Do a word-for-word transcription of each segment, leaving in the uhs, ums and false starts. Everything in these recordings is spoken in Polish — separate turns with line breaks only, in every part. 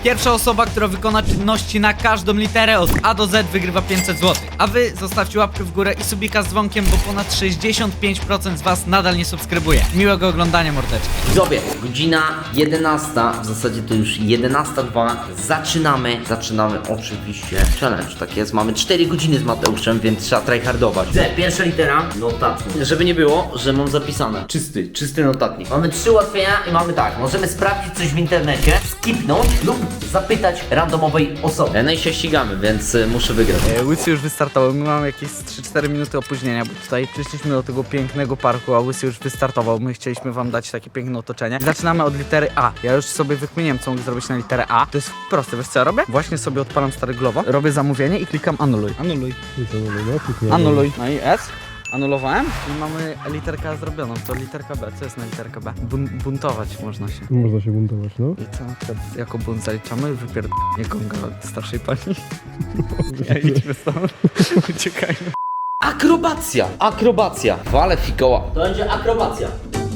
Pierwsza osoba, która wykona czynności na każdą literę od A do Z, wygrywa pięćset złotych. A wy zostawcie łapkę w górę i subika z dzwonkiem, bo ponad sześćdziesiąt pięć procent z was nadal nie subskrybuje. Miłego oglądania, mordeczki.
Widzowie, godzina jedenasta, w zasadzie to już jedenasta dwa. Zaczynamy, zaczynamy oczywiście challenge, tak jest. Mamy cztery godziny z Mateuszem, więc trzeba tryhardować. Z, pierwsza litera, notatnik. Żeby nie było, że mam zapisane. Czysty, czysty notatnik. Mamy trzy ułatwienia i mamy tak, możemy sprawdzić coś w internecie, skipnąć lub zapytać randomowej osoby. E, no i się ścigamy, więc y, muszę wygrać.
E, Łysy już wystartował, my mamy jakieś trzy cztery minuty opóźnienia, bo tutaj przyszliśmy do tego pięknego parku, a Łysy już wystartował. My chcieliśmy wam dać takie piękne otoczenie. Zaczynamy od litery A. Ja już sobie wykminiłem, co mogę zrobić na literę A. To jest proste, wiesz co ja robię? Właśnie sobie odpalam stary Glovo, robię zamówienie i klikam anuluj. Anuluj. Anuluj. No i S. Anulowałem i mamy literkę A zrobioną. To literka B. Co jest na literkę B? Bun buntować można się.
Można się buntować, no.
I co na przykład jako bunt zaliczamy? Wypierdolenie gonga od starszej pani. Ja idźmy stąd. Uciekajmy.
Akrobacja, akrobacja. Wale fikoła. To będzie akrobacja.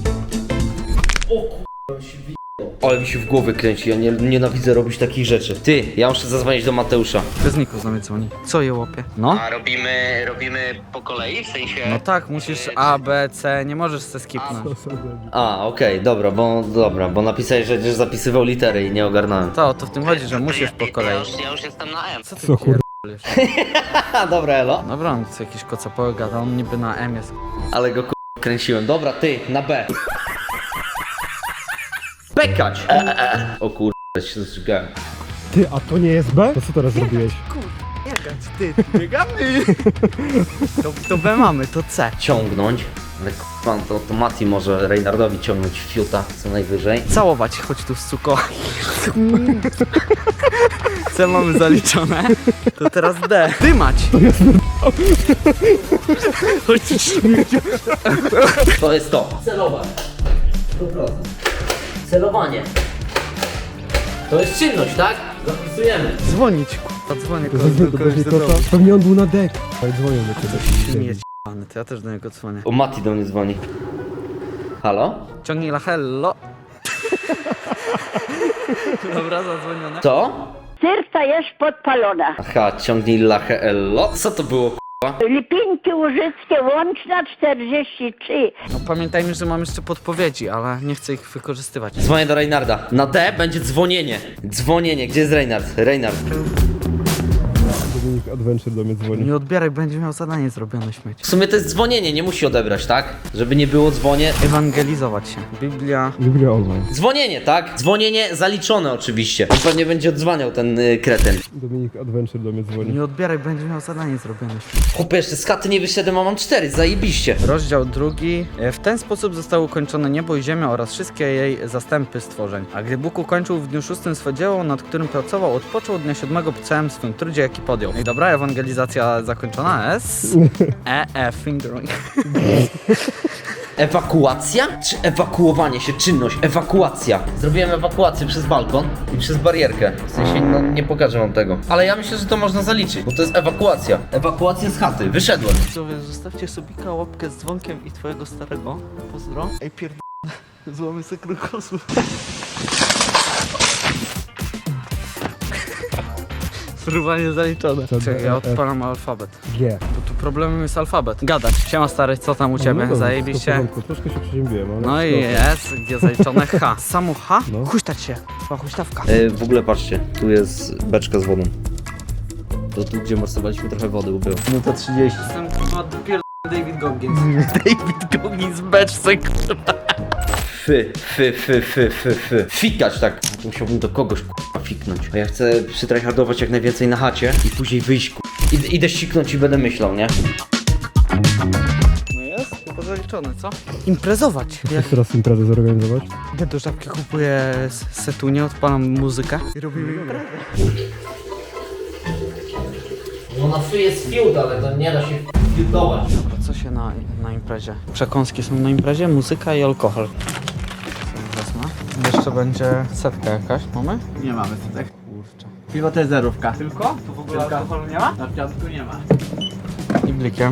O kurwa, się wi... Ale mi się w głowie kręci, ja nie, nienawidzę robić takich rzeczy. Ty, ja muszę zadzwonić do Mateusza.
Bez niku z nami dzwoni. Co je łapie? No?
A robimy, robimy po kolei, w sensie...
No tak, musisz A, B, C, nie możesz se skipnąć.
A, okej, dobra, bo dobra, bo napisałeś, że będziesz zapisywał litery i nie ogarnałem.
To, to w tym chodzi, że musisz po
Ja
kolei.
już, ja już jestem na M.
Co ty
Co kur...
pierdolisz?
Ha, dobra, elo.
Dobra, on co jakiś kocopoły gada, on niby na M jest.
Ale go k***a kręciłem. Dobra, ty, na B. Bekać! E, e, e. O kurwa, się zżygałem.
Ty, a to nie jest B? To co teraz zrobiłeś?
Biegać, ty, biegamy! To, to B mamy, to C.
Ciągnąć. Ale k***a, to, to Mati może Reynardowi ciągnąć fiuta co najwyżej.
Całować, chodź tu suko. C mamy zaliczone. To teraz D. Dymać! Chodź
To jest to. Celować. sto procent. Celowanie. To jest czynność, tak? Zapisujemy.
dzwonić, k***a, dzwonię
To
kogoś
pewnie,
do
to
kogoś
pewnie
do
kota.
domu.
Pewnie on był na dek. Ale dzwonią do ciebie.
Nie jest j***ny, to ja też do niego dzwonię.
O, Mati do mnie dzwoni. Halo?
Ciągnij la hello. Dobra, zadzwonione.
To?
Serca jest podpalona.
Aha, ciągnij lachę ello. Co to było, k***a?
Lipinki Łużyckie, łączna czterdzieści trzy.
No pamiętajmy, że mam jeszcze podpowiedzi, ale nie chcę ich wykorzystywać.
Dzwonię do Reynarda. Na D będzie dzwonienie. Dzwonienie. Gdzie jest Reynard? Reynard.
Dominik Adventure do mnie dzwoni.
Nie odbieraj, będzie miał zadanie zrobione, śmieć.
W sumie to jest dzwonienie, nie musi odebrać, tak? Żeby nie było dzwonie.
Ewangelizować się. Biblia.
Biblia online.
Dzwonienie, tak? Dzwonienie zaliczone oczywiście. On pewnie będzie odzwaniał ten y, kretyn.
Dominik Adventure do mnie dzwoni.
Nie odbieraj, będzie miał zadanie zrobione, śmieć.
Chłopie, jeszcze z chaty nie wyszedłem, a mam cztery, zajebiście.
Rozdział drugi. E, W ten sposób zostało ukończone niebo i ziemia oraz wszystkie jej zastępy stworzeń. A gdy Bóg ukończył w dniu szóstym swe dzieło, nad którym pracował, odpoczął od dnia siódmego po całym swym trudzie, jaki podjął. I dobra, ewangelizacja zakończona. S. E, E, fingering.
Ewakuacja? Czy ewakuowanie się, czynność? Ewakuacja. Zrobiłem ewakuację przez balkon i przez barierkę. W sensie, no nie pokażę wam tego. Ale ja myślę, że to można zaliczyć, bo to jest ewakuacja. Ewakuacja z chaty, wyszedłem.
Widzowie, zostawcie subika, łapkę z dzwonkiem i twojego starego. Pozdro. Ej, pierd... Złamy se krokosów. Spróbowanie zaliczone.
Co,
Czekaj, ja
e,
odpalam alfabet.
G.
Bo tu problemem jest alfabet. Gadać. Siema stary, co tam u ciebie?
No dobra,
Zajebiście.
wszystko w porządku. Troszkę się przeziębiłem, ale...
No i jest, gdzie zaliczone H. Samo H?
No.
Huśtać się. Chyba huśtawka.
Yy, w ogóle patrzcie, tu jest beczka z wodą. To tu, gdzie morsowaliśmy, trochę wody było. No to trzydzieści.
Jestem chyba dopiero David Goggins. David Goggins beczce, kurwa.
Fy, fy, fy, fy, fy, fy. Fikać tak. A to musiałbym do kogoś k***a fiknąć. A ja chcę przytryhardować jak najwięcej na chacie i później wyjść k***a. Id idę siknąć i będę myślał, nie?
No jest, chyba zaliczone, co? Imprezować. Jak
Jak teraz imprezę zorganizować?
idę do żabki, kupuję s- setunię, odpalam muzykę i robimy imprezę.
No na fy jest fiut, ale to nie da się fiutować.
Dobra, co się na, na imprezie? Przekąski są na imprezie, muzyka i alkohol. Wezmę. Jeszcze będzie setka jakaś, mamy?
Nie mamy setek.
Kurczę.
Piwo to jest zerówka.
Tylko? Tu w ogóle
Tylko.
alkoholu nie ma?
Na piątku nie ma.
I blikiem.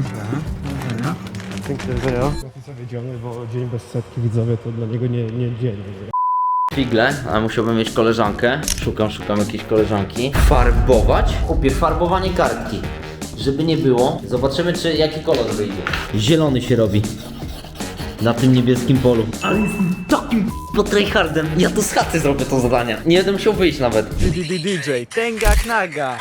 Dziękuję.
Ja to wiedziony, bo dzień bez setki widzowie to dla niego nie, nie dzień.
figle, ale musiałbym mieć koleżankę. Szukam, szukam jakiejś koleżanki. Farbować. Kupię farbowanie kartki. Żeby nie było. Zobaczymy, czy jaki kolor wyjdzie. Zielony się robi. Na tym niebieskim polu. Ale jestem takim po tryhardem. Ja to z chaty zrobię to zadanie. Nie będę musiał wyjść nawet.
D J, Tenga Knaga.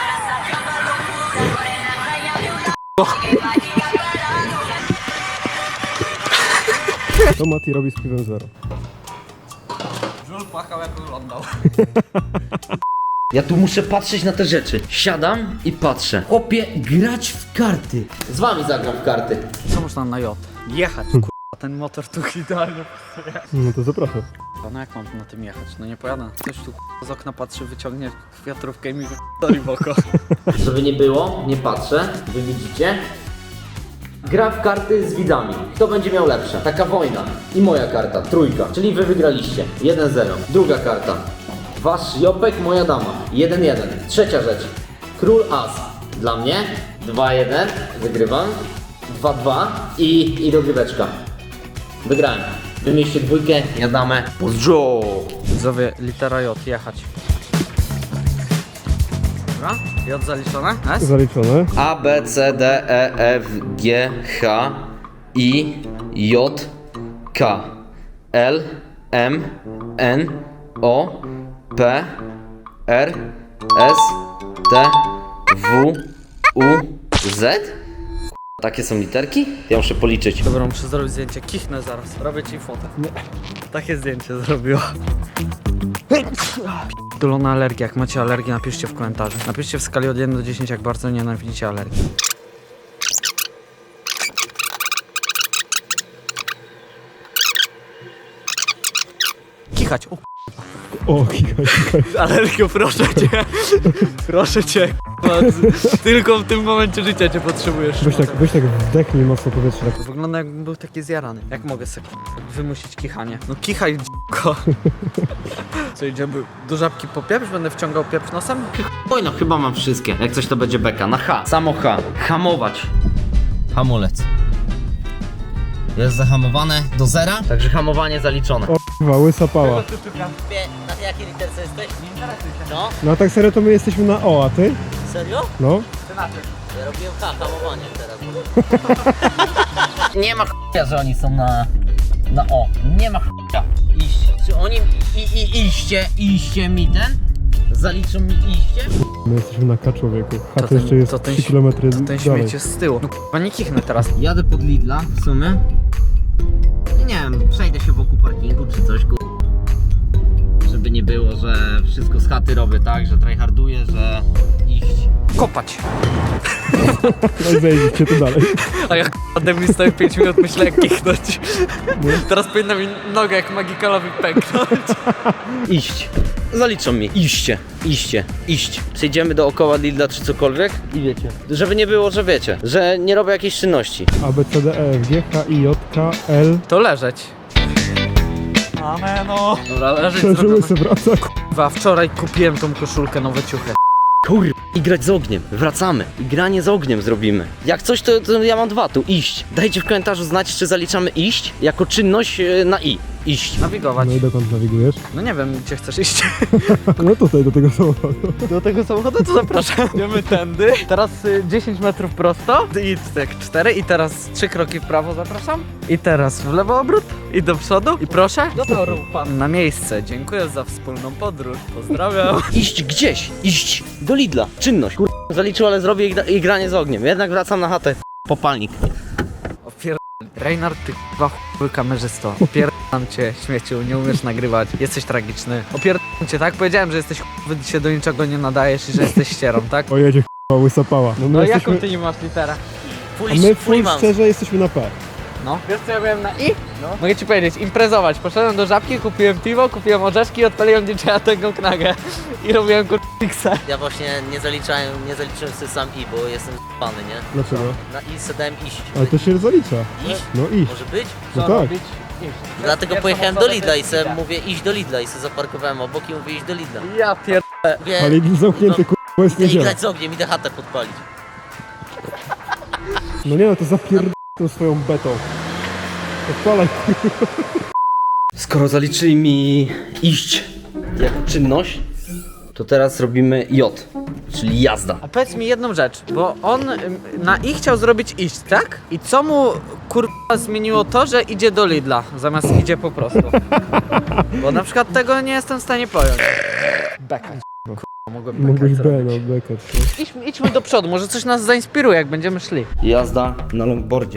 To Mati robi z piwem zero.
Żul płakał jak oglądał.
Ja tu muszę patrzeć na te rzeczy. Siadam i patrzę. Chłopie, grać w karty. Z wami zagram w karty.
Co można na J? Jechać, kurwa, ten motor tu idealnie.
No to zapraszam.
No jak mam na tym jechać? No nie pojadę. Ktoś tu z okna patrzy, wyciągnie wiatrówkę i mi wychodzi w oko.
Żeby nie było, nie patrzę. Wy widzicie? Gra w karty z widzami. Kto będzie miał lepsze? Taka wojna. I moja karta, trójka. Czyli wy wygraliście. jeden zero. Druga karta. Wasz Jopek, moja dama. jeden jeden. Trzecia rzecz. Król As. Dla mnie. dwa jeden. Wygrywam. dwa dwa. I, i dogryweczka. Wygrałem. Wymieście dwójkę, ja damę. Pozdro!
Widzowie, litera J, jechać. Dobra, J zaliczone? S?
Zaliczone.
A, B, C, D, E, F, G, H, I, J, K, L, M, N, O, P, R, S, T, W, U, Z? Takie są literki? Ja muszę policzyć.
Dobra, muszę zrobić zdjęcie, kichnę zaraz, robię ci fotę. Takie zdjęcie zrobiła. Dolona alergia, jak macie alergię, napiszcie w komentarzu. Napiszcie w skali od jeden do dziesięciu, jak bardzo nienawidzicie alergii. Kichać, o
O, kikaj, kikaj.
alergio, proszę cię. Proszę cię, k***a. Tylko w tym momencie życia cię potrzebujesz.
Weź tak, weź tak wdechnij mocno powietrze. Tak.
Wygląda jakbym był taki zjarany. Jak mogę sobie wymusić kichanie? No kichaj, d***ko. Co, idziemy do żabki po pieprz? Będę wciągał pieprz nosem?
Oj, no chyba mam wszystkie. Jak coś to będzie beka. Na H. Samo H. Hamować. Hamulec. Jest zahamowane do zera, także hamowanie zaliczone.
O, kurwa, łysa pała.
Na jakiej literce jesteś? No,
No a tak serio to my jesteśmy na O, a ty?
serio?
No.
Ja robiłem H, hamowanie teraz.
Nie ma ch**a, że oni są na, na O. Nie ma ch**a. Iść. Czy oni i, i iście, iście mi ten? Zaliczą mi iście?
My jesteśmy na K, człowieku. H to,
ten-
jeszcze jest
to ten
trzy
ś-
kilometry
To ten
dalej.
śmieć jest z tyłu. No k***a, nie kichnę teraz.
Jadę pod Lidla w sumie. I nie wiem, przejdę się wokół parkingu czy coś, ku... Żeby nie było, że wszystko z chaty robię, tak? Że tryharduję, że iść.
Kopać.
No i zejdziecie to dalej.
A jak ode mnie stoi pięć minut, myślę jak kichnąć. Teraz powinna mi noga jak magikalowi pęknąć.
Iść. Zaliczą mi. Iście. Iście. Iść. Przejdziemy dookoła Lidla czy cokolwiek i wiecie. Żeby nie było, że wiecie, że nie robię jakiejś czynności.
A, B, C, D, E, F, G, H, I, J, K, L.
To leżeć. Ameno. Dobra, leżeć
Przeżyły
zrobione.
się wraca.
Kurwa, wczoraj kupiłem tą koszulkę, nowe ciuchy.
Kur... I grać z ogniem. Wracamy. I granie z ogniem zrobimy. Jak coś, to, to ja mam dwa tu. Iść. Dajcie w komentarzu znać, czy zaliczamy iść jako czynność e, na i. Iść.
Nawigować.
No i dokąd nawigujesz?
No nie wiem, gdzie chcesz iść.
No tutaj, do tego samochodu.
Do tego samochodu to zapraszam. Idziemy tędy. Teraz y, dziesięć metrów prosto i tak cztery i teraz trzy kroki w prawo zapraszam. I teraz w lewo obrót i do przodu. I proszę. Do toru pan na miejsce. Dziękuję za wspólną podróż. Pozdrawiam.
Iść gdzieś. Iść. Do Lidla. Czynność. Kur... Zaliczył, ale zrobię i, i granie z ogniem. Jednak wracam na chatę. Popalnik.
Opier... Reynard, ty k***wa chuj kamerzysto. Opierdam cię, śmieciu, nie umiesz nagrywać. Jesteś tragiczny. Opierdam cię, tak? Powiedziałem, że jesteś chuj, się do niczego nie nadajesz i że jesteś ścierą, tak?
O jedzie, k***a, łysa pała. No my
No
jesteśmy...
jaką ty nie masz literę?
A my full szczerze jesteśmy na P.
No. Wiesz co ja byłem na I? No. Mogę ci powiedzieć, imprezować. Poszedłem do żabki, kupiłem piwo, kupiłem orzeszki i odpaliłem D J-a tego knagę. I robiłem kurczyksa.
Ja właśnie nie zaliczałem, nie zaliczyłem sobie sam I, bo jestem z***ny, nie?
Dlaczego?
Na I se dałem iść.
Ale to się zalicza.
Iść?
No iść.
Może być?
No
Co
tak.
robić? Iść.
Dlatego
Pierwszą
pojechałem do
osobę
Lidla
to
i
jest
se
Lidla.
mówię iść do Lidla i se zaparkowałem obok i mówię iść do Lidla.
Ja pier...
Mówię,
Ale Lidl zamknięty, k***a, bo jest
idę
niedziela.
grać z ogniem, idę chatę podpalić.
No nie no, to zapierd... tą swoją betą. Odpalaj.
skoro zaliczyli mi iść jako czynność, to teraz robimy J, czyli jazda.
A powiedz mi jedną rzecz, bo on ym, na I chciał zrobić iść, tak? I co mu kurwa zmieniło to, że idzie do Lidla, zamiast idzie po prostu? Bo na przykład tego nie jestem w stanie pojąć. Beka. Kurwa, mogłem beka
Mogłeś B,
zrobić.
no beka.
Idźmy, idźmy do przodu, może coś nas zainspiruje, jak będziemy szli.
Jazda na longboardzie.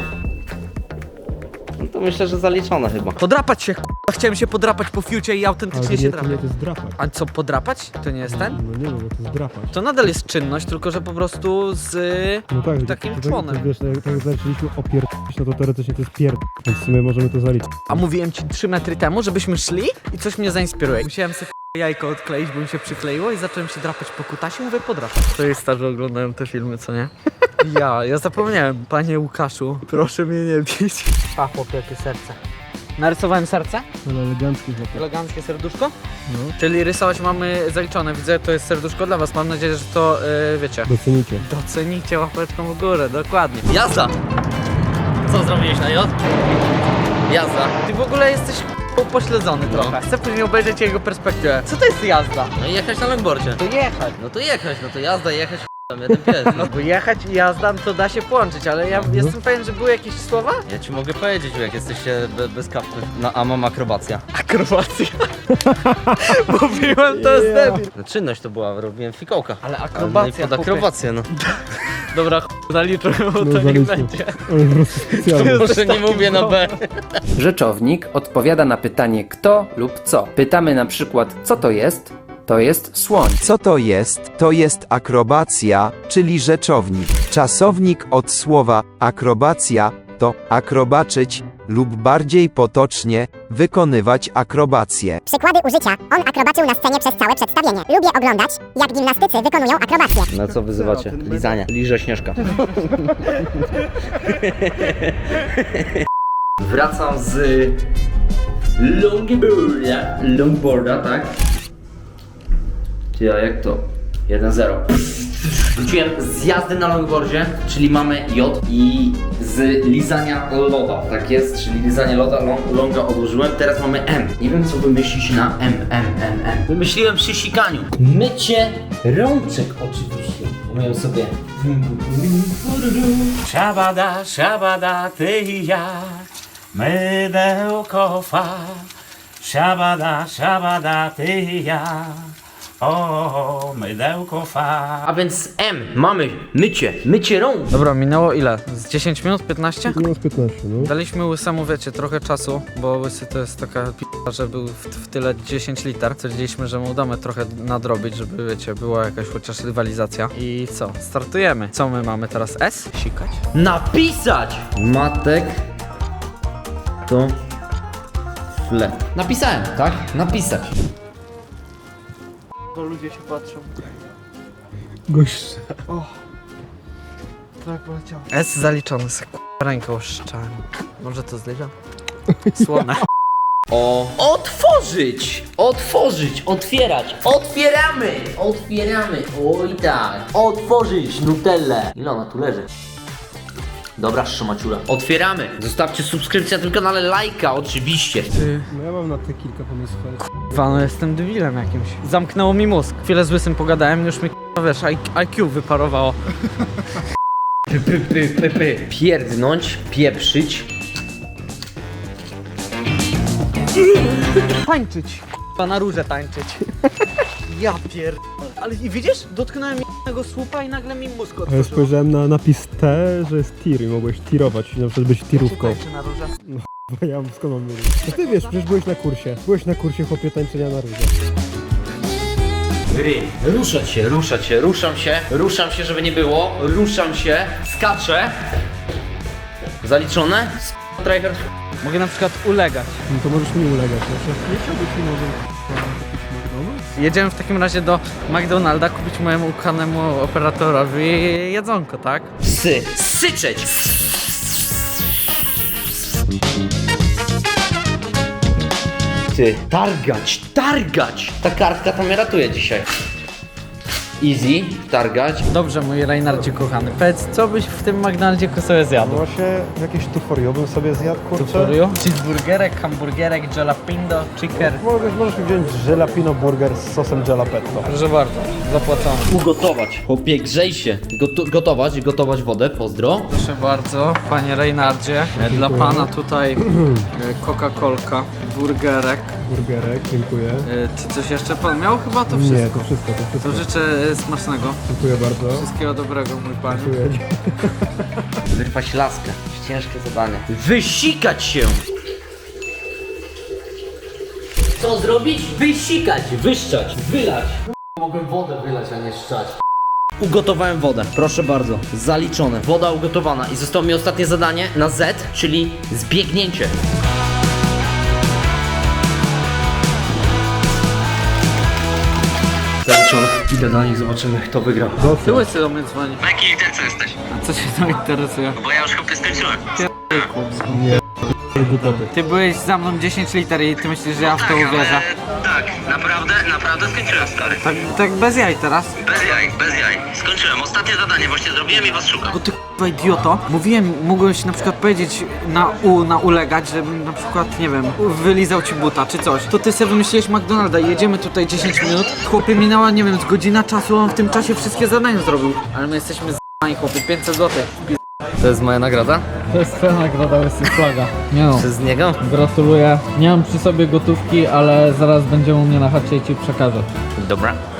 No to myślę, że zaliczone chyba.
Podrapać się, kurwa, chciałem się podrapać po fiucie i
Ale
autentycznie
nie,
się
to nie,
drapać.
to jest drapać.
A co, podrapać? To nie jest ten?
No nie wiem, bo to jest drapać.
To nadal jest czynność, tylko że po prostu z...
No tak,
takim
to,
członem.
To, wiesz, tak jak zaczęliśmy opierdolić, no to teoretycznie to jest pierd... Więc w sumie możemy to zaliczyć.
A mówiłem ci trzy metry temu, żebyśmy szli i coś mnie zainspiruje. Musiałem sobie jajko odkleić, bo mi się przykleiło i zacząłem się drapać po kutasie, mówię podrapać. To jest starzy oglądają te filmy, co nie? Ja, ja zapomniałem. Panie Łukaszu, proszę mnie nie bić. A, chłopie, jakie serce. Narysowałem serce?
Ale elegancki chłopak.
Eleganckie serduszko?
No.
Czyli rysować mamy zaliczone. Widzę, to jest serduszko dla was. Mam nadzieję, że to, yy, wiecie,
Docenicie.
docenicie łapeczką w górę, dokładnie.
Jazda! Co zrobiłeś na J? Jazda.
Ty w ogóle jesteś upośledzony
No.
trochę. Chcę później obejrzeć jego perspektywę. Co to jest jazda?
No i jechać na longboardzie.
To jechać.
No to jechać, no to jazda, jechać tam jeden pies. No.
Bo jechać i jazda to da się połączyć, ale ja jestem pewien, że były jakieś słowa?
Ja ci mogę powiedzieć, jak jesteście be, bez kaptur. No a mam akrobacja.
Akrobacja. Mówiłem, to jest debil.
No czynność to była, robiłem fikołka.
Ale
No i
akrobacja,
pod akrobację, no.
Dobra, ch... zaliczę, bo to
No,
nie
zaliczmy.
będzie.
Ale po prostu specjalnie.
Może nie mówię na B.
Rzeczownik odpowiada na pytanie kto lub co. Pytamy na przykład co to jest? To jest słoń.
Co to jest? To jest akrobacja, czyli rzeczownik. Czasownik od słowa akrobacja to akrobaczyć lub bardziej potocznie wykonywać akrobację.
Przykłady użycia. On akrobaczył na scenie przez całe przedstawienie. Lubię oglądać, jak gimnastycy wykonują akrobację.
Na co wyzywacie? Lizania. Liże Śnieżka. Wracam z longboarda. Longboarda, tak? Ty, a jak to? jeden zero. Wróciłem z jazdy na longboardzie, czyli mamy J i z lizania loda, tak jest, czyli lizanie loda, long, longa odłożyłem, teraz mamy M. Nie wiem co wymyślić na M, M, M, M. Wymyśliłem przy sikaniu. Mycie rączek oczywiście. Umiem sobie.
Szabada, szabada, ty i ja, mydełko fa. Szabada, szabada, ty i ja, o, mydełko fa.
A więc M, mamy mycie, mycie rąk.
Dobra, minęło ile? Z dziesięć minut? piętnaście?
No z piętnaście, no.
Daliśmy Łysemu, wiecie, trochę czasu, bo Łysy to jest taka p***a, że był w, w tyle dziesięć liter. Stwierdziliśmy, że mu damy trochę nadrobić, żeby, wiecie, była jakaś chociaż rywalizacja. I co? Startujemy. Co my mamy teraz? S? Sikać?
Napisać! Matek to fle. Napisałem, tak? Napisać.
Bo ludzie się patrzą.
Gość.
Tak poleciało. S zaliczony, se k***a rękę oszczałem. Może to zliczam? Słone.
O. Otworzyć! Otworzyć, otwierać. Otwieramy! Otwieramy. Oj tak. Otworzyć Nutellę. Ile ona tu leży? Dobra, szmaciura. Otwieramy. Zostawcie subskrypcję na tym kanale, lajka oczywiście.
Ty,
No ja mam na te kilka pomysłów, ale...
k***wa, no jestem debilem jakimś. Zamknęło mi mózg. Chwilę z Łysym pogadałem, już mi k***a, wiesz, I Q wyparowało.
Py, py, py, py, py. Pierdnąć, pieprzyć.
Tańczyć. K***a, na róże tańczyć. Ja pier... Ale i widzisz? Dotknąłem jednego słupa i nagle mi mózg
A ja
otworzył.
spojrzałem na napis T, że jest tir i mogłeś tirować, na przykład być tirówką.
Tańczy na róże.
Bo ja skąd mam wiedzieć? No ty wiesz, przecież byłeś na kursie. Byłeś na kursie chłopie tańczenia na róże.
Gry. Ruszać się, ruszać się, ruszam się, ruszam się, żeby nie było, ruszam się, skaczę. Zaliczone? Tryhard.
Mogę na przykład ulegać.
No to możesz mi ulegać. Znaczy, nie chciałbyś mi może kupić McDonald's?
Jedziemy w takim razie do McDonalda kupić mojemu ukochanemu operatorowi jedzonko, tak?
Sy. Syczeć. Ty. Targać, targać. Ta kartka to mnie ratuje dzisiaj. Easy, targać.
Dobrze, mój Reinardzie kochany. Powiedz, co byś w tym McDonaldzie sobie zjadł?
No właśnie jakieś tuforio bym sobie zjadł, kurczę.
Tuforio? Cheeseburgerek, hamburgerek, jalapeno, chicken.
Możesz, możesz mi wziąć jalapeno burger z sosem jalapetto.
Proszę bardzo, zapłacone.
Ugotować. Chłopie, grzej się. Gotu gotować, gotować wodę, pozdro.
Proszę bardzo, panie Reinardzie. Dla pana tutaj e, Coca-Colka, burgerek.
Burgerek, dziękuję.
E, Czy coś jeszcze pan miał? Chyba to wszystko.
Nie, to wszystko, to wszystko.
To życzę e, smacznego.
Dziękuję bardzo.
Wszystkiego dobrego, mój panie.
Dziękuję.
Wyrwać laskę. Ciężkie zadanie. Wysikać się! Co zrobić? Wysikać, wyszczać, wylać. Mogłem wodę wylać, a nie szczać. Ugotowałem wodę, proszę bardzo, zaliczone. Woda ugotowana i zostało mi ostatnie zadanie na Z, czyli zbiegnięcie. Zaliczone. Idę do nich, zobaczymy kto wygrał.
Ty łysy do mnie dzwoni.
Na jakiej literce jesteś?
A co się tam interesuje?
Bo ja już chłopie skończyłem.
Ty byłeś za mną dziesięć liter i ty myślisz, że ja w to uwierzę.
Tak, naprawdę, naprawdę skończyłem, stary.
Tak, tak bez jaj teraz.
Bez jaj, bez jaj. Skończyłem. Ostatnie zadanie właśnie zrobiłem i was szukam.
Bo ty k***a idioto, mówiłem, mogłeś na przykład powiedzieć na u, na ulegać, żebym na przykład, nie wiem, wylizał ci buta czy coś. To ty sobie wymyśliłeś McDonalda i jedziemy tutaj dziesięć minut. Chłopie, minęła, nie wiem, z godzina czasu, on w tym czasie wszystkie zadania zrobił. Ale my jesteśmy z***ani, chłopie, pięćset złotych.
To jest moja nagroda?
To jest twoja nagroda, łysy flaga. Nie no,
Przez niego?
gratuluję. Nie mam przy sobie gotówki, ale zaraz będziemy u mnie na chacie i ci przekażę.
Dobra.